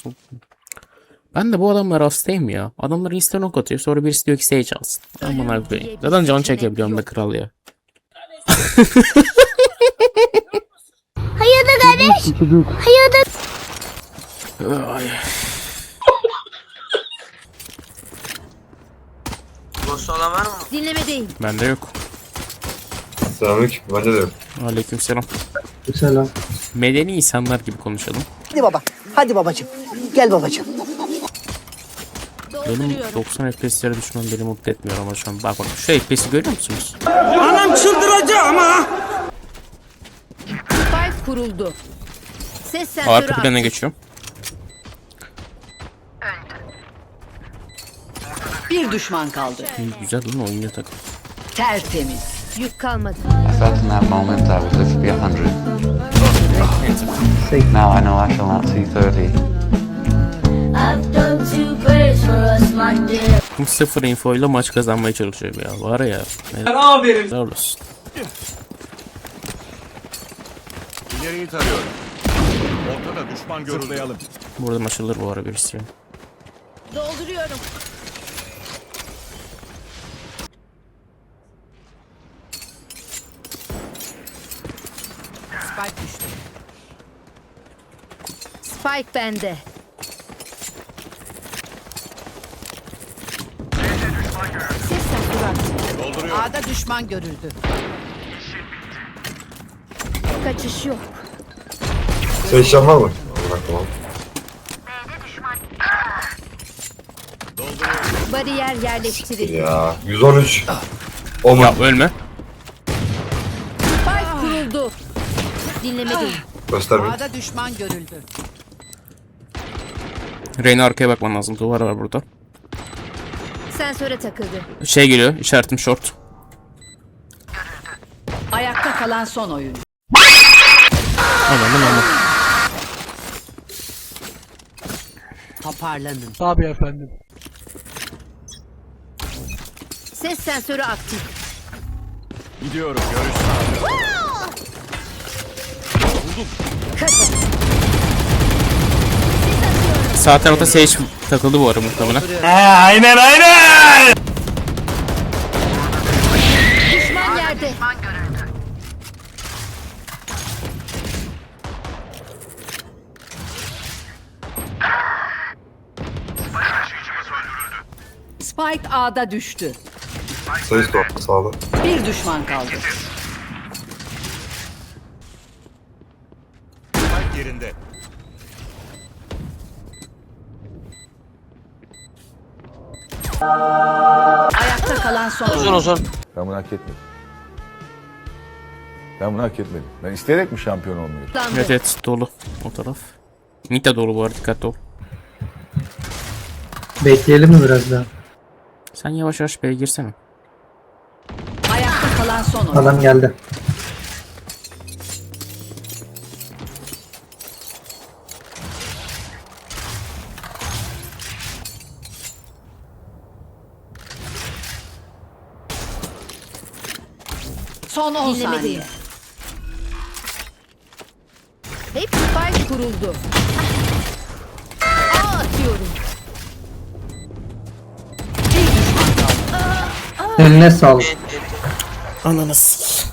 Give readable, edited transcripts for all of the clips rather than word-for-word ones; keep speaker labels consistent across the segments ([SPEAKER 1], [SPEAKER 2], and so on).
[SPEAKER 1] Ben de bu adamlara hastayım ya. Adamlar insta knock atıyor. Sonra birisi diyor ki stage alsın. Aman abi. Zaten can çekebiliyorum da kral ya.
[SPEAKER 2] Hayırdır kardeş? Hayırdır?
[SPEAKER 1] Ay.
[SPEAKER 3] Boş olan var mı?
[SPEAKER 2] Dinlemedeyim.
[SPEAKER 1] Bende yok.
[SPEAKER 4] Selamünaleyküm. Bence de yok.
[SPEAKER 1] Aleykümselam.
[SPEAKER 5] Selam.
[SPEAKER 1] Medeni insanlar gibi konuşalım.
[SPEAKER 6] Hadi baba. Hadi babacığım. Gel babacığım.
[SPEAKER 1] Benim 90 FPS'lere düşmem beni mutlu etmiyor ama şu an. Bak şu FPS'i görüyor musunuz?
[SPEAKER 3] Anam çıldıracak ama.
[SPEAKER 2] Spike kuruldu. Ses sensörü
[SPEAKER 1] Arka plana
[SPEAKER 2] aktif.
[SPEAKER 1] geçiyorum.
[SPEAKER 6] Bir düşman kaldı.
[SPEAKER 1] Güzel değil mi? Oyuncu takım.
[SPEAKER 6] Tertemiz.
[SPEAKER 2] Yük kalmadı.
[SPEAKER 7] I felt in that moment I would live to be 100. Now I know I shall not see 30.
[SPEAKER 8] I've done two prayers for us, my dear.
[SPEAKER 1] Sıfır info ile maç kazanmaya çalışıyorum ya. Var ya.
[SPEAKER 3] Aferin.
[SPEAKER 1] Sağ olasın.
[SPEAKER 9] İleriyi tarıyorum. Ortada düşman görüldü.
[SPEAKER 1] Burada açılır bu ara birisi.
[SPEAKER 2] Dolduruyorum.
[SPEAKER 6] Spike düştü.
[SPEAKER 2] Spike bende. Ses sensörü aktif.
[SPEAKER 6] A'da düşman görüldü.
[SPEAKER 2] Kaçış yok.
[SPEAKER 4] Sen işlem var mı? Allah tamam.
[SPEAKER 2] Bariyer yerleştirildi.
[SPEAKER 4] Ya 113. Omen.
[SPEAKER 1] Ya ölme.
[SPEAKER 2] Spike kuruldu. Dinlemedeyim.
[SPEAKER 4] Göster bir.
[SPEAKER 6] A'da düşman görüldü.
[SPEAKER 1] Reyna arkaya bakman lazım. Duvar var burada.
[SPEAKER 2] Sensöre takıldı.
[SPEAKER 1] Şey geliyor. İşaretim short.
[SPEAKER 6] Ayakta kalan son oyuncu.
[SPEAKER 1] Anladım ama.
[SPEAKER 6] Toparlanın.
[SPEAKER 2] Ses sensörü aktif.
[SPEAKER 9] Gidiyorum. Görüş sağlıyorum.
[SPEAKER 1] Sağ tarafta Sage takıldı bu ara muhtemelen.
[SPEAKER 2] Düşman yerde.
[SPEAKER 6] Spike A'da düştü.
[SPEAKER 4] Sayıs da sağda.
[SPEAKER 6] Bir düşman kaldı.
[SPEAKER 9] Spike yerinde.
[SPEAKER 6] Ayakta kalan son
[SPEAKER 3] Uzun
[SPEAKER 6] oyuncu.
[SPEAKER 3] uzun.
[SPEAKER 10] Ben bunu hak etmedim. Ben bunu hak etmedim. Ben isteyerek mi şampiyon olmuyorum?
[SPEAKER 1] Evet evet dolu o taraf. Mid de dolu bu arada dikkatli ol.
[SPEAKER 5] Bekleyelim mi biraz daha?
[SPEAKER 1] Sen yavaş yavaş B'ye girsene.
[SPEAKER 6] Ayakta kalan son oyuncu.
[SPEAKER 5] Adam geldi.
[SPEAKER 6] Son 10
[SPEAKER 2] Dinlemedeyim.
[SPEAKER 6] saniye.
[SPEAKER 2] Hep spike kuruldu. A atıyorum.
[SPEAKER 6] Bir düşman kaldı.
[SPEAKER 5] Eline sağlık.
[SPEAKER 1] Ananı s***.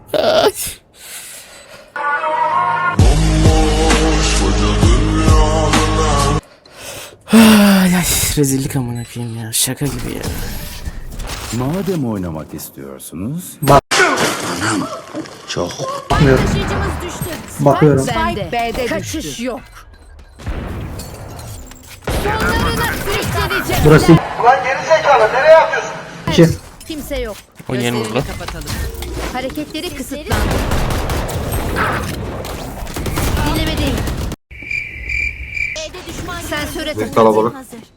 [SPEAKER 1] Ay ay rezillik amına koyayım ya şaka gibi ya.
[SPEAKER 9] Madem oynamak istiyorsunuz.
[SPEAKER 5] Bakmıyorum.
[SPEAKER 2] Taşıyıcımız düştü.
[SPEAKER 5] Bakıyorum.
[SPEAKER 2] Spike bende.
[SPEAKER 6] B'de
[SPEAKER 2] Kaçış
[SPEAKER 6] düştü.
[SPEAKER 2] yok. Sonlarına sürükleyeceğim.
[SPEAKER 5] Burası
[SPEAKER 3] Ulan geri zekalı nereye atıyorsun?
[SPEAKER 5] 2.
[SPEAKER 2] Kimse yok.
[SPEAKER 1] Oynayalım burada.
[SPEAKER 6] Kapatalım.
[SPEAKER 2] Hareketleri kısıtlandı. Dinlemedeyim. Sensöre takıldı.
[SPEAKER 4] Kalabalık.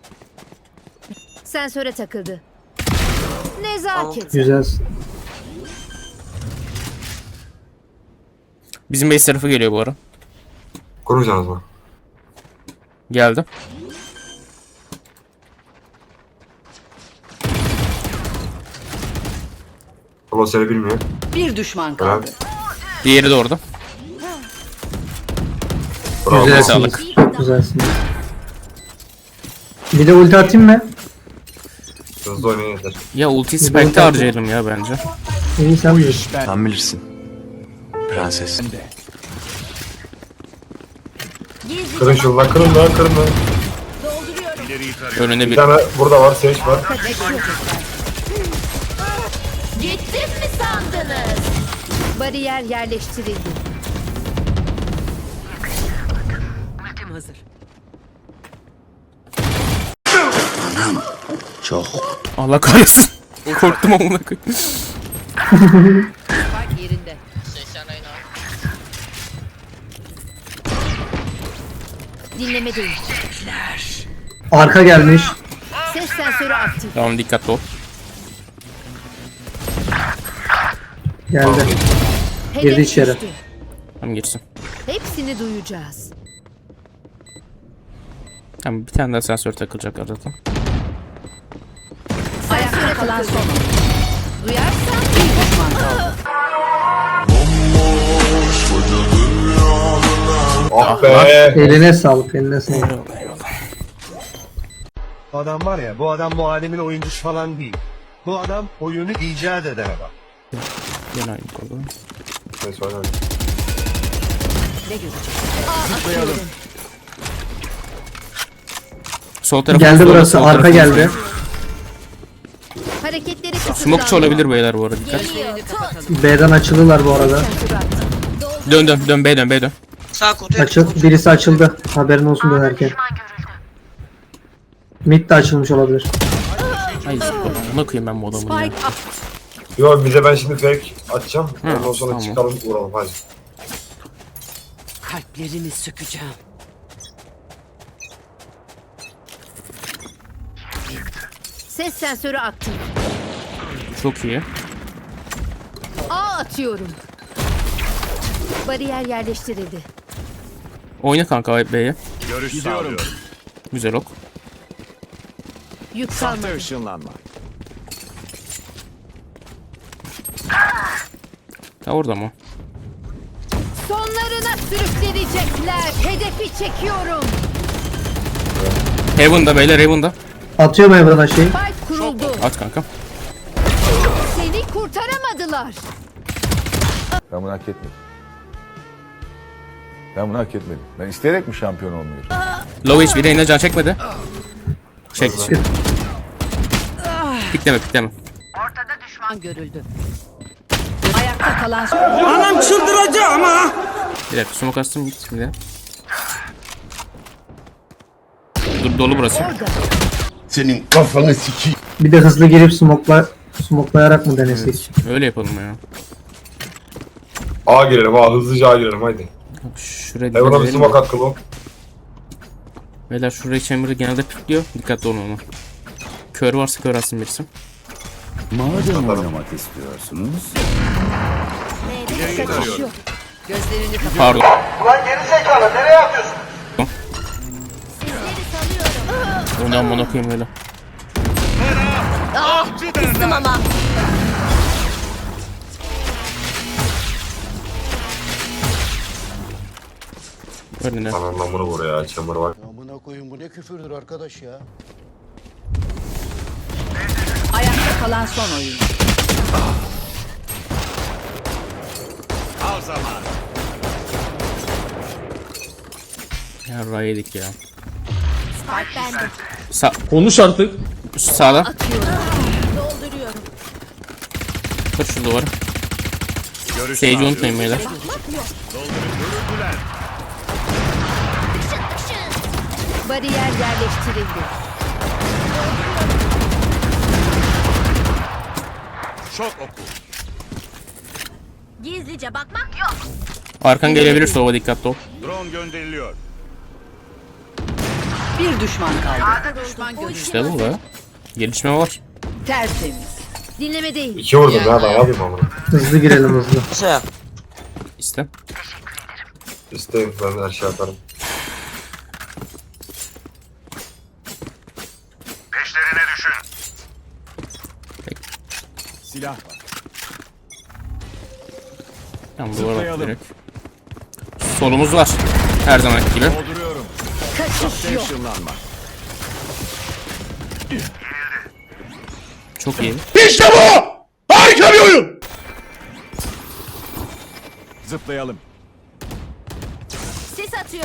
[SPEAKER 2] Sensöre takıldı. Nezaket.
[SPEAKER 5] Güzelsin.
[SPEAKER 1] Bizim base tarafı geliyor bu ara.
[SPEAKER 4] Kurmayacaksınız mı?
[SPEAKER 1] Geldi.
[SPEAKER 4] Allah seni bilmiyor.
[SPEAKER 6] Bir düşman kaldı.
[SPEAKER 1] Diğeri de orada.
[SPEAKER 4] Bravo.
[SPEAKER 1] Güzel. Sağlık.
[SPEAKER 5] Çok güzelsiniz. Bir de ulti atayım mı?
[SPEAKER 4] Hızlı oynayın yeter.
[SPEAKER 1] Ya ulti spike'te harcayalım ya bence.
[SPEAKER 5] İyi sen bilirsin.
[SPEAKER 11] Sen bilirsin. Prenses.
[SPEAKER 4] Kırın şunu lan, kırın lan, kırın lan.
[SPEAKER 9] İleriyi tarıyorum.
[SPEAKER 1] Önünde
[SPEAKER 4] Bir
[SPEAKER 1] bir.
[SPEAKER 4] tane burada var, Sage var.
[SPEAKER 2] Gittim mi sandınız? Bariyer yerleştirildi.
[SPEAKER 6] Ultim hazır.
[SPEAKER 1] Allah kahretsin. Korktum amına koyayım.
[SPEAKER 6] Spike yerinde.
[SPEAKER 2] Dinleme değil.
[SPEAKER 5] Arka gelmiş.
[SPEAKER 2] Ses sensörü aktif.
[SPEAKER 1] Tamam dikkatli ol.
[SPEAKER 5] Geldi.
[SPEAKER 2] Hedef
[SPEAKER 5] Girdi içeri.
[SPEAKER 2] düştü.
[SPEAKER 1] Tamam geçsin.
[SPEAKER 2] Hepsini duyacağız.
[SPEAKER 1] Tamam bir tane daha sensör takılacak arada.
[SPEAKER 6] Ayakta kalan son oyuncu.
[SPEAKER 2] Duyarsan
[SPEAKER 6] Bir düşman kaldı.
[SPEAKER 4] Ah be.
[SPEAKER 5] Eline sağlık, eline sağlık.
[SPEAKER 3] Bu adam var ya, bu adam bu alemin oyuncusu falan değil. Bu adam oyunu icat eden adam.
[SPEAKER 1] Gel aynı kolu.
[SPEAKER 4] Neyse oynayın.
[SPEAKER 6] Ne görecek?
[SPEAKER 1] Sol tarafı.
[SPEAKER 5] Geldi burası, arka geldi.
[SPEAKER 2] hareketleri kısıtlandı.
[SPEAKER 1] Smokeçi olabilir beyler bu arada dikkat.
[SPEAKER 6] Gözlerini kapatalım.
[SPEAKER 5] B'den açıldılar bu arada.
[SPEAKER 1] Dön B dön.
[SPEAKER 3] Sağ kutu.
[SPEAKER 5] Açıl, birisi açıldı. Haberin olsun dönerken. Mid de açılmış olabilir.
[SPEAKER 1] Ay ona koyayım ben bu adamı ya.
[SPEAKER 6] Spike up.
[SPEAKER 4] Yo, bize ben şimdi fake atacağım. Ondan sonra
[SPEAKER 1] tamam.
[SPEAKER 4] çıkalım, vuralım hadi.
[SPEAKER 6] Kalplerini sökeceğim.
[SPEAKER 2] Ses sensörü aktif.
[SPEAKER 1] Çok iyi.
[SPEAKER 2] A atıyorum. Bariyer yerleştirildi.
[SPEAKER 1] Oyna kanka B'ye.
[SPEAKER 9] Görüş sağlıyorum.
[SPEAKER 1] Güzel ok.
[SPEAKER 2] Yük
[SPEAKER 9] Sahte
[SPEAKER 2] kalmadı.
[SPEAKER 9] ışınlanma.
[SPEAKER 1] Ha orada mı?
[SPEAKER 2] Sonlarına sürüklenecekler. Hedefi çekiyorum.
[SPEAKER 1] Heaven'da beyler Heaven'da.
[SPEAKER 5] Atıyorum Evren'a şey.
[SPEAKER 2] Spike kuruldu.
[SPEAKER 1] At kanka.
[SPEAKER 2] Seni kurtaramadılar.
[SPEAKER 10] Ben bunu hak etmedim. Ben bunu hak etmedim. Ben isteyerek mi şampiyon olmuyorum?
[SPEAKER 1] Low HP Reyna can çekmedi. Çek. Pikleme.
[SPEAKER 6] Düşman görüldü. Ayakta kalan son
[SPEAKER 3] Anam çıldıracak ama.
[SPEAKER 1] Bir dakika smoke astım git bir de. Dur dolu burası.
[SPEAKER 3] Senin kafanı sikeyim.
[SPEAKER 5] Bir de hızlı girip smoklayarak mı denesek?
[SPEAKER 1] Öyle yapalım ya.
[SPEAKER 4] A girelim, A hızlıca A girelim haydi.
[SPEAKER 1] Şuraya
[SPEAKER 4] Evren'a bir
[SPEAKER 1] gidelim
[SPEAKER 4] smoke
[SPEAKER 1] de.
[SPEAKER 4] at kılı.
[SPEAKER 1] Beyler şuraya chamber'ı genelde pikliyor. Dikkatli olun ona. Kör varsa kör atsın birisi.
[SPEAKER 9] Madem oynamak istiyorsunuz. İleriyi tarıyorum.
[SPEAKER 6] gözlerini kapat.
[SPEAKER 1] Pardon.
[SPEAKER 3] Ulan geri zekalı, nereye atıyorsun?
[SPEAKER 1] Ondan bana koyayım öyle.
[SPEAKER 2] Kızdım ama.
[SPEAKER 1] Önüne.
[SPEAKER 4] Anam bunu vur ya, chamber var.
[SPEAKER 3] Amına koyun, bu ne küfürdür arkadaş ya.
[SPEAKER 6] Ayakta kalan son oyuncu.
[SPEAKER 9] Al zaman.
[SPEAKER 1] Ya ray yedik ya.
[SPEAKER 2] Spike bende.
[SPEAKER 1] Konuş artık. Sağda.
[SPEAKER 2] Atıyorum. Dolduruyorum.
[SPEAKER 1] Kır şu duvarı.
[SPEAKER 9] Görüş
[SPEAKER 1] Sage'i
[SPEAKER 9] sağlıyorum.
[SPEAKER 1] unutmayın beyler.
[SPEAKER 9] Görüldüler.
[SPEAKER 2] Bariyer yerleştirildi.
[SPEAKER 9] Şok oku.
[SPEAKER 2] Gizlice bakmak yok.
[SPEAKER 1] Arkan gelebilir sova dikkatli ol.
[SPEAKER 9] Drone gönderiliyor.
[SPEAKER 6] Bir düşman kaldı. Düşman görüldü.
[SPEAKER 1] İşte bu be. Gelişme var.
[SPEAKER 6] Tertemiz.
[SPEAKER 2] Dinleme değil.
[SPEAKER 4] 2 vurdum ya, daha yapayım amına.
[SPEAKER 5] Hızlı girelim hızlı.
[SPEAKER 1] İşte.
[SPEAKER 4] İsteyim, ben her şey yaparım.
[SPEAKER 9] Peşlerine düşün. Silah var.
[SPEAKER 1] Tamam duvara bak
[SPEAKER 9] Zıplayalım.
[SPEAKER 1] direkt. Solumuz var. Her zamanki gibi.
[SPEAKER 9] Dolduruyorum.
[SPEAKER 2] Kaçış
[SPEAKER 9] Sahte
[SPEAKER 2] yok.
[SPEAKER 9] ışınlanma.
[SPEAKER 1] Çok iyi.
[SPEAKER 9] İşte bu! Harika bir oyun! Zıplayalım.
[SPEAKER 2] Sis atıyorum.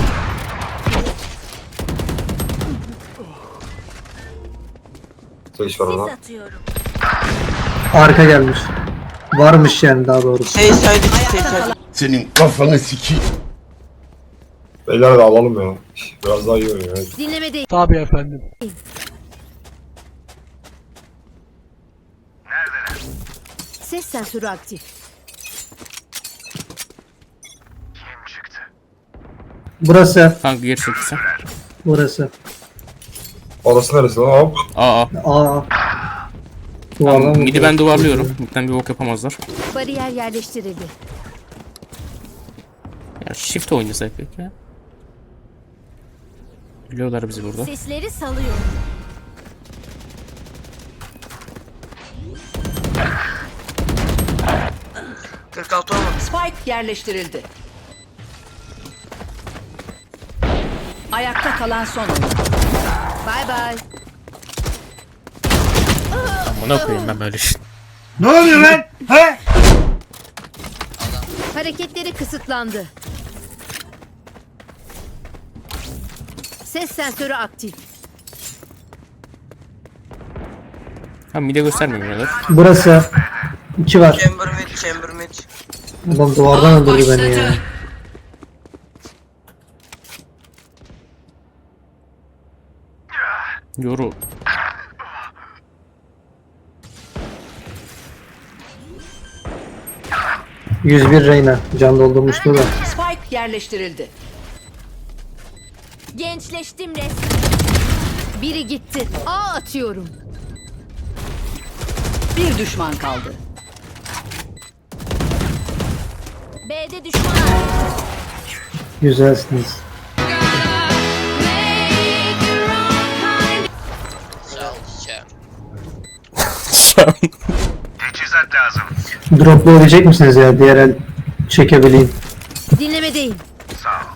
[SPEAKER 4] Seç var
[SPEAKER 2] Sis
[SPEAKER 4] ona.
[SPEAKER 2] atıyorum.
[SPEAKER 5] Arka gelmiş. Varmış yani daha doğrusu.
[SPEAKER 3] Senin kafanı sikeyim.
[SPEAKER 4] Beyler de alalım ya. Biraz daha iyi oynuyor. Evet.
[SPEAKER 2] Dinleme değil.
[SPEAKER 5] Tabii efendim.
[SPEAKER 2] Ses sensörü aktif.
[SPEAKER 5] Burası.
[SPEAKER 1] Kanka geri çekilsen.
[SPEAKER 5] Burası.
[SPEAKER 4] Orası neresi lan? Hop.
[SPEAKER 1] Aa.
[SPEAKER 5] Aa.
[SPEAKER 1] Tamam,
[SPEAKER 5] Duvardan
[SPEAKER 1] midi ben duvarlıyorum. Midden bir bok yapamazlar.
[SPEAKER 2] Bariyer yerleştirildi.
[SPEAKER 1] Ya shift oynasak peki ya. Biliyorlar bizi burada.
[SPEAKER 2] Sesleri salıyorum.
[SPEAKER 6] Spike yerleştirildi. Ayakta kalan son oyuncu.
[SPEAKER 2] Bay bay.
[SPEAKER 1] Amına koyayım ben böyle şey.
[SPEAKER 3] Ne oluyor lan? He?
[SPEAKER 2] Hareketleri kısıtlandı. Ses sensörü aktif.
[SPEAKER 1] Ha mide göstermiyorlar.
[SPEAKER 5] Burası. 2 var.
[SPEAKER 11] Chamber mid.
[SPEAKER 5] Ulan duvardan öldürdü beni ya.
[SPEAKER 1] Yoru.
[SPEAKER 5] %100 Reyna. Can doldurmuştu da.
[SPEAKER 6] Spike yerleştirildi.
[SPEAKER 2] Gençleştim resmen. Biri gitti. A atıyorum.
[SPEAKER 6] Bir düşman kaldı.
[SPEAKER 2] B'de düşman.
[SPEAKER 5] Güzelsiniz.
[SPEAKER 9] Teçhizat lazım.
[SPEAKER 5] Droplayabilecek misiniz ya? Diğer el çekebileyim.
[SPEAKER 2] Dinlemedeyim.
[SPEAKER 9] Sağ ol.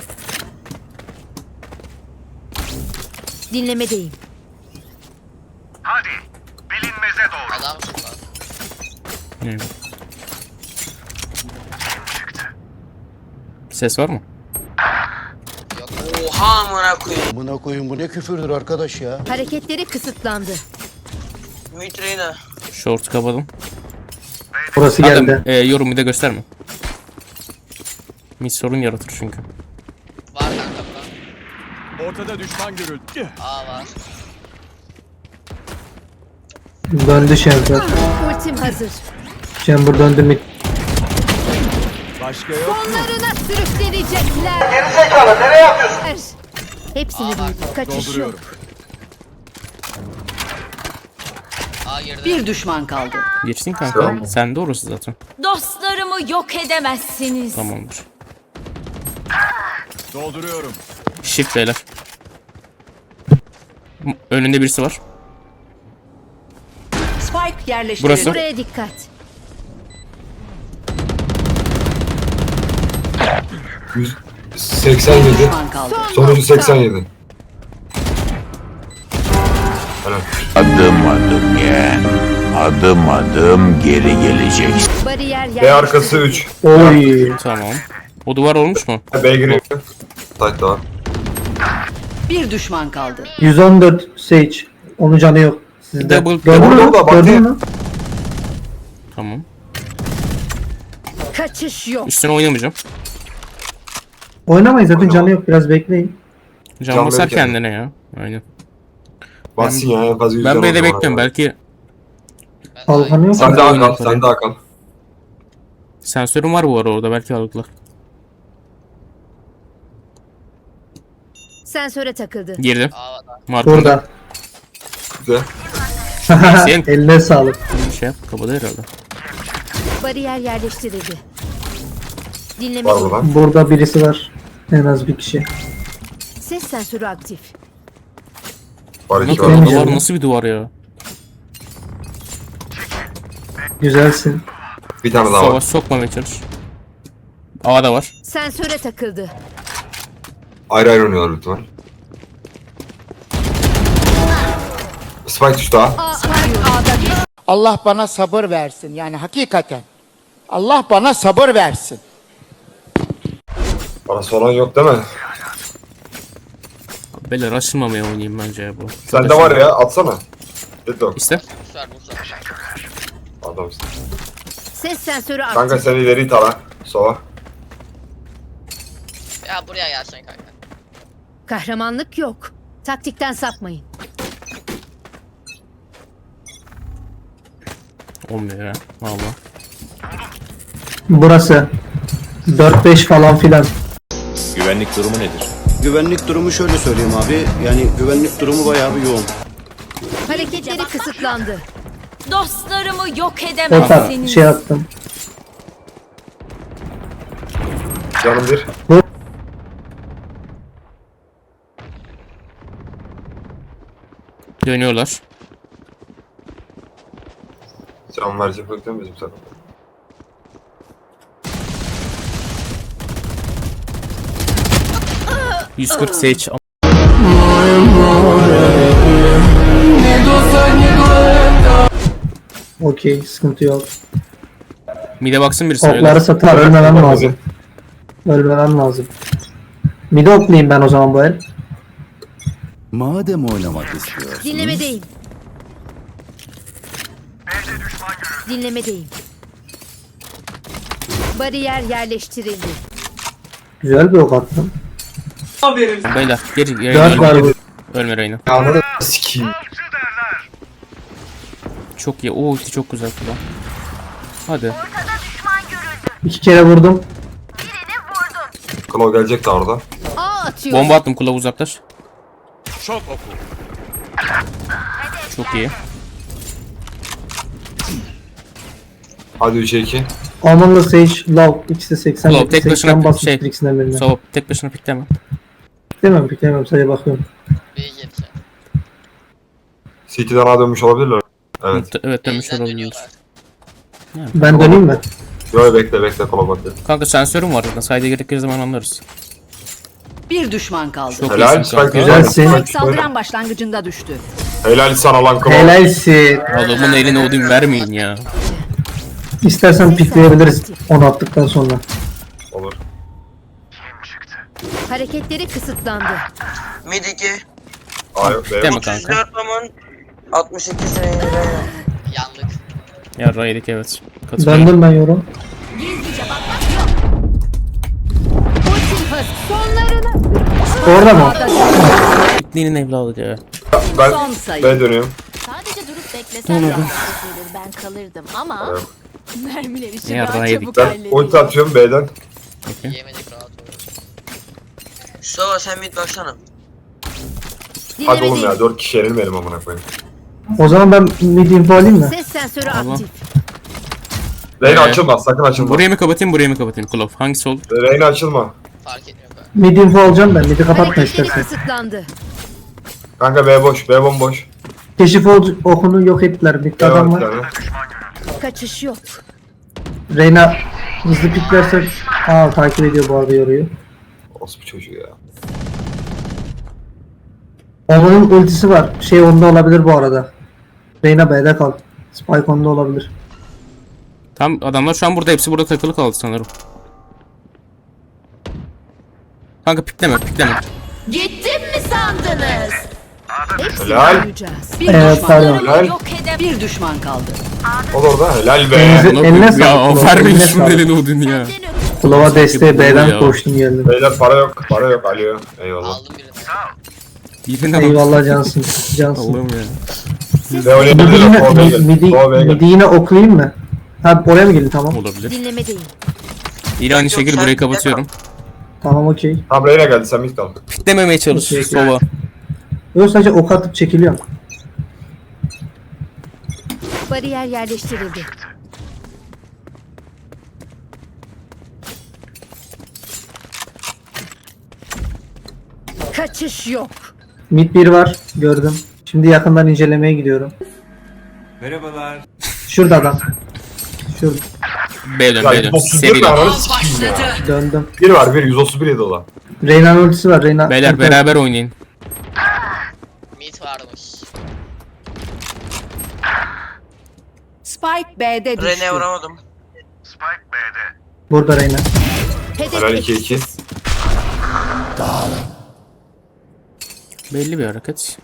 [SPEAKER 2] Dinlemedeyim.
[SPEAKER 9] Hadi. Bilinmeze doğru.
[SPEAKER 1] Evet. Ses var mı?
[SPEAKER 3] Buna koyun bu ne küfürdür arkadaş ya.
[SPEAKER 2] Hareketleri kısıtlandı.
[SPEAKER 1] Short kapadım.
[SPEAKER 5] Burası geldi.
[SPEAKER 1] Adam yorum mide gösterme. Mid sorun yaratır çünkü.
[SPEAKER 9] Ortada düşman görüldü.
[SPEAKER 5] Döndü Chamber.
[SPEAKER 2] Ultim hazır.
[SPEAKER 5] Chamber döndü mid.
[SPEAKER 9] Başka yok.
[SPEAKER 2] Sonlarına sürüklenecekler. Geri zekalı nereye yapıyorsun? Hepsini duydum. Kaçış yok.
[SPEAKER 9] Dolduruyorum.
[SPEAKER 6] Bir düşman kaldı.
[SPEAKER 1] Geçsin kanka. Sen de orası zaten.
[SPEAKER 2] Dostlarımı yok edemezsiniz.
[SPEAKER 1] Tamamdır.
[SPEAKER 9] Dolduruyorum.
[SPEAKER 1] Shift beyler. Önünde birisi var.
[SPEAKER 6] Spike yerleştirildi.
[SPEAKER 1] Burası.
[SPEAKER 2] Buraya dikkat.
[SPEAKER 4] Bir
[SPEAKER 6] Bir
[SPEAKER 4] 87.
[SPEAKER 6] düşman kaldı.
[SPEAKER 4] Sonucu 87.
[SPEAKER 9] Adım adım yeğen. Adım adım geri geleceksin.
[SPEAKER 2] Bariyer
[SPEAKER 4] B arkası
[SPEAKER 2] yerleştirildi.
[SPEAKER 4] 3.
[SPEAKER 5] Oy.
[SPEAKER 1] Tamam. O duvar olmuş mu?
[SPEAKER 4] B giriyor. Site var.
[SPEAKER 6] Bir düşman kaldı.
[SPEAKER 5] 114 Sage. Onun canı yok. Sizde.
[SPEAKER 1] Double-
[SPEAKER 5] Gördün mü?
[SPEAKER 4] Double da bak
[SPEAKER 5] Gördün
[SPEAKER 4] diye.
[SPEAKER 5] mü?
[SPEAKER 1] Tamam.
[SPEAKER 2] Kaçış yok.
[SPEAKER 1] Üstüne oynamayacağım.
[SPEAKER 5] Oynamayın zaten
[SPEAKER 4] Oynama.
[SPEAKER 5] canı yok. Biraz bekleyin.
[SPEAKER 1] Can
[SPEAKER 4] Can
[SPEAKER 1] basar
[SPEAKER 4] verir kendine.
[SPEAKER 1] kendine ya. Aynen.
[SPEAKER 4] Bassın ya en fazla 100
[SPEAKER 1] Ben
[SPEAKER 4] can
[SPEAKER 1] B'de
[SPEAKER 4] olur
[SPEAKER 1] bekliyorum.
[SPEAKER 4] bana.
[SPEAKER 1] Belki
[SPEAKER 5] Kalkanı yok.
[SPEAKER 4] Sen
[SPEAKER 1] Ben
[SPEAKER 4] daha
[SPEAKER 1] de
[SPEAKER 4] kal,
[SPEAKER 1] oynarım.
[SPEAKER 4] sen daha kal.
[SPEAKER 1] sensörüm var bu ara orada. Belki aldılar.
[SPEAKER 2] Sensöre takıldı.
[SPEAKER 1] Girdim. Markında.
[SPEAKER 5] Burada.
[SPEAKER 4] Güzel.
[SPEAKER 1] Sen-
[SPEAKER 5] Eline sağlık.
[SPEAKER 1] Şey yap. Kapadı herhalde.
[SPEAKER 2] Bariyer yerleştirildi.
[SPEAKER 4] Var
[SPEAKER 2] Dinlemedeyim.
[SPEAKER 4] mı lan?
[SPEAKER 5] Burada birisi var. En az bir kişi.
[SPEAKER 2] Ses sensörü aktif.
[SPEAKER 4] Var iki
[SPEAKER 1] Nasıl
[SPEAKER 4] var.
[SPEAKER 1] bir
[SPEAKER 5] Benim
[SPEAKER 1] duvar?
[SPEAKER 5] yerim.
[SPEAKER 1] Nasıl bir duvar ya?
[SPEAKER 5] Güzelsin.
[SPEAKER 4] Bir tane daha
[SPEAKER 1] Savaş
[SPEAKER 4] var.
[SPEAKER 1] sokmamaya çalış. A'da var.
[SPEAKER 2] Sensöre takıldı.
[SPEAKER 4] Ayrı ayrı oynuyorlar lütfen. Spike düştü ha.
[SPEAKER 5] Allah bana sabır versin. Yani hakikaten. Allah bana sabır versin.
[SPEAKER 4] Parası olan yok değil mi?
[SPEAKER 1] Beyler açılmamaya oynayayım bence ya bu.
[SPEAKER 4] Sende var ya atsana. Deadlock.
[SPEAKER 1] İşte.
[SPEAKER 4] Adamsın.
[SPEAKER 2] Ses sensörü
[SPEAKER 4] Kanka
[SPEAKER 2] aktif.
[SPEAKER 4] sen ileri tara. Sola.
[SPEAKER 6] Ya buraya gelsen kanka.
[SPEAKER 2] Kahramanlık yok. Taktikten sapmayın.
[SPEAKER 1] Olmuyor ya. Valla.
[SPEAKER 5] Burası. 4-5 falan filan.
[SPEAKER 11] Güvenlik durumu nedir?
[SPEAKER 3] Güvenlik durumu şöyle söyleyeyim abi. Yani güvenlik durumu bayağı bir yoğun.
[SPEAKER 2] Hareketleri kısıtlandı.
[SPEAKER 8] Dostlarımı yok
[SPEAKER 5] Ortak şey attım.
[SPEAKER 4] Canım bir.
[SPEAKER 1] Dönüyorlar.
[SPEAKER 4] Can verecek yok değil mi bizim takım?
[SPEAKER 1] %40 Sage.
[SPEAKER 5] Okey, sıkıntı yok.
[SPEAKER 1] Mide baksın birisi.
[SPEAKER 5] Okları satar, ölmemem lazım. Ölmemem lazım. Mide oklayayım ben o zaman bu el.
[SPEAKER 11] Madem oynamak istiyorsun.
[SPEAKER 2] Dinlemedeyim. Dinlemedeyim. Bariyer yerleştirildi.
[SPEAKER 5] Güzel bir ok attım.
[SPEAKER 1] Beyler geri
[SPEAKER 5] 4 var bu.
[SPEAKER 1] Ölme Reyna.
[SPEAKER 4] Anladın sikiyim.
[SPEAKER 1] Çok iyi. O ulti çok güzel kullan. Hadi.
[SPEAKER 5] 2 kere vurdum.
[SPEAKER 4] Claw gelecek de orada.
[SPEAKER 2] Aa atıyor.
[SPEAKER 1] Bomba attım kulağı uzaklaş.
[SPEAKER 9] Şok oku.
[SPEAKER 1] Çok iyi.
[SPEAKER 4] Hadi 3'e 2.
[SPEAKER 5] Omen'la Sage, Love. İkisi de 80.
[SPEAKER 1] Love tek başına
[SPEAKER 5] 80 basmış
[SPEAKER 1] şey.
[SPEAKER 5] ikisinden birine.
[SPEAKER 1] Sova tek başına pikleme.
[SPEAKER 5] Piklemem sadece bakıyorum.
[SPEAKER 4] CT'den A dönmüş olabilirler. Evet.
[SPEAKER 1] Evet dönmüş olabilir.
[SPEAKER 5] Ben döneyim mi?
[SPEAKER 4] Yo bekle Claw bakıyor.
[SPEAKER 1] Kanka sensörüm var zaten. Sayda gerektiği zaman anlarız.
[SPEAKER 6] Bir düşman kaldı.
[SPEAKER 1] Çok
[SPEAKER 4] Helal
[SPEAKER 1] iyisin kanka.
[SPEAKER 4] Spike
[SPEAKER 5] Güzelsin.
[SPEAKER 4] güzel.
[SPEAKER 6] Saldıran başlangıcında düştü.
[SPEAKER 4] Helal sana lan Claw.
[SPEAKER 5] Helalsin.
[SPEAKER 1] Adamın eline odun vermeyin ya.
[SPEAKER 5] İstersen pikleyebiliriz onu attıktan sonra.
[SPEAKER 4] Olur.
[SPEAKER 2] Hareketleri kısıtlandı.
[SPEAKER 12] Mid 2.
[SPEAKER 4] A yok B
[SPEAKER 1] Deme
[SPEAKER 4] yok.
[SPEAKER 1] kanka.
[SPEAKER 12] 34 Roman 62 senedir.
[SPEAKER 6] Yandık.
[SPEAKER 1] Ya Raydik evet. Katılıyorum.
[SPEAKER 5] Döndüm ben yorum.
[SPEAKER 2] Ultim hız. Sonlarını.
[SPEAKER 5] Orada mı?
[SPEAKER 1] Pikliğinin evladı ya.
[SPEAKER 4] Ben
[SPEAKER 6] Son sayı.
[SPEAKER 4] B dönüyorum.
[SPEAKER 8] Sadece durup beklesem de ben kalırdım ama
[SPEAKER 4] Evet.
[SPEAKER 8] mermiler işi
[SPEAKER 1] Ya
[SPEAKER 8] daha
[SPEAKER 1] Raydik.
[SPEAKER 8] çabuk
[SPEAKER 4] Ben
[SPEAKER 8] hallediyor.
[SPEAKER 4] ulti atıyorum B'den.
[SPEAKER 6] Yemedik rahat ol.
[SPEAKER 12] Sova sen mid baksana.
[SPEAKER 4] Hadi oğlum
[SPEAKER 2] Dinlemedeyim.
[SPEAKER 4] ya 4 kişi yenilmeyelim amına koyayım.
[SPEAKER 5] O zaman ben mid info alayım mı?
[SPEAKER 2] Ses sensörü
[SPEAKER 1] Allah.
[SPEAKER 2] aktif.
[SPEAKER 4] Reyna
[SPEAKER 1] Evet.
[SPEAKER 4] açılma sakın açılma.
[SPEAKER 1] Burayı mı kapatayım burayı mı kapatayım? Klov hangisi olur?
[SPEAKER 4] Reyna açılma.
[SPEAKER 6] Fark etmiyor kanka.
[SPEAKER 5] Mid info alacağım ben. Mid'i kapatma
[SPEAKER 2] Hareketleri
[SPEAKER 5] istersen.
[SPEAKER 2] kısıtlandı.
[SPEAKER 4] Kanka B boş. B bomboş.
[SPEAKER 5] Keşif okunu yok ettiler. Mid'de
[SPEAKER 4] B var
[SPEAKER 5] adam
[SPEAKER 4] bir
[SPEAKER 5] var.
[SPEAKER 4] tane.
[SPEAKER 2] Kaçış yok.
[SPEAKER 5] Reyna hızlı piklerse takip ediyor bu arada yoruyor.
[SPEAKER 4] Ospu çocuğu ya.
[SPEAKER 5] Onun ultisi var. Şey onda olabilir bu arada. Reyna B'de kal. Spike onda olabilir.
[SPEAKER 1] Tam adamlar şu an burada hepsi burada takılı kaldı sanırım. Kanka pikleme.
[SPEAKER 8] Gittim mi sandınız?
[SPEAKER 2] Hepsini
[SPEAKER 4] Helal.
[SPEAKER 2] duyacağız.
[SPEAKER 6] Bir
[SPEAKER 5] Evet
[SPEAKER 6] düşman.
[SPEAKER 5] pardon.
[SPEAKER 4] Helal.
[SPEAKER 8] Yok edem.
[SPEAKER 6] Bir düşman kaldı.
[SPEAKER 4] O da orada. Helal be.
[SPEAKER 5] Eline
[SPEAKER 1] Ya
[SPEAKER 5] sağlık.
[SPEAKER 1] vermeyin
[SPEAKER 5] Eline
[SPEAKER 1] şunun
[SPEAKER 5] sağlık.
[SPEAKER 1] eline odun ya.
[SPEAKER 5] Kulava desteği
[SPEAKER 1] Ya.
[SPEAKER 5] B'den koştum geldim.
[SPEAKER 4] Beyler para yok. Para yok. Alo. Eyvallah.
[SPEAKER 6] Aldım birini.
[SPEAKER 1] Birine bak.
[SPEAKER 5] Eyvallah cansın. Cansın.
[SPEAKER 1] Allah'ım ya.
[SPEAKER 4] B
[SPEAKER 5] Midi
[SPEAKER 4] oynayabilirler. Sol B'ye gel. Sol B'ye gel.
[SPEAKER 5] midi yine oklayayım mı? Ha oraya mı gelin tamam.
[SPEAKER 1] Olabilir.
[SPEAKER 2] Dinlemedeyim.
[SPEAKER 1] Yine aynı şekilde
[SPEAKER 12] sen
[SPEAKER 1] burayı
[SPEAKER 12] pikle
[SPEAKER 1] kapatıyorum.
[SPEAKER 5] Tamam okey.
[SPEAKER 4] Tamam Reyna geldi. Sen mid kal.
[SPEAKER 1] Piklememeye çalış.
[SPEAKER 5] Okey.
[SPEAKER 1] Sova.
[SPEAKER 5] Yok sadece ok atıp çekiliyorum.
[SPEAKER 2] Bariyer yerleştirildi. Kaçış yok.
[SPEAKER 5] Mid 1 var gördüm. Şimdi yakından incelemeye gidiyorum.
[SPEAKER 11] Merhabalar.
[SPEAKER 5] Şurada adam. Şurada.
[SPEAKER 1] B dön
[SPEAKER 4] Ya
[SPEAKER 1] B dön.
[SPEAKER 4] 131
[SPEAKER 1] Seri
[SPEAKER 4] mi
[SPEAKER 1] dön.
[SPEAKER 4] ananı sikiyim ya.
[SPEAKER 5] Döndüm.
[SPEAKER 4] Bir var bir 131 yedi o da.
[SPEAKER 5] Reyna'nın ultisi var. Reyna.
[SPEAKER 1] Beyler beraber oynayın.
[SPEAKER 6] Mid varmış. Spike B'de düştü.
[SPEAKER 12] Rene vuramadım.
[SPEAKER 5] Burada Reyna.
[SPEAKER 4] Helal 2-2.
[SPEAKER 1] Belli bir hareket.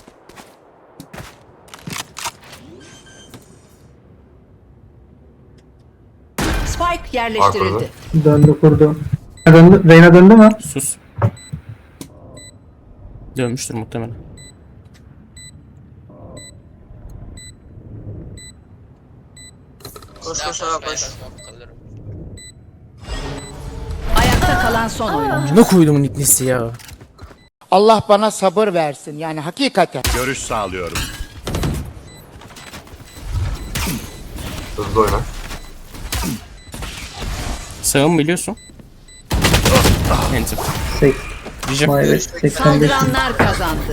[SPEAKER 6] Spike yerleştirildi.
[SPEAKER 5] Döndü kurdu. Reyna döndü mü?
[SPEAKER 1] Sus. Dönmüştür muhtemelen.
[SPEAKER 12] Koş koş sağa koş.
[SPEAKER 6] Ayakta kalan son oyuncu.
[SPEAKER 1] Ne koydum nitnesi ya.
[SPEAKER 13] Allah bana sabır versin yani hakikaten.
[SPEAKER 9] Görüş sağlıyorum.
[SPEAKER 4] Hızlı oyna.
[SPEAKER 1] Sağım biliyorsun. Enter.
[SPEAKER 5] Sek.
[SPEAKER 1] Diyeceğim.
[SPEAKER 5] Maalesef 85.
[SPEAKER 6] Saldıranlar kazandı.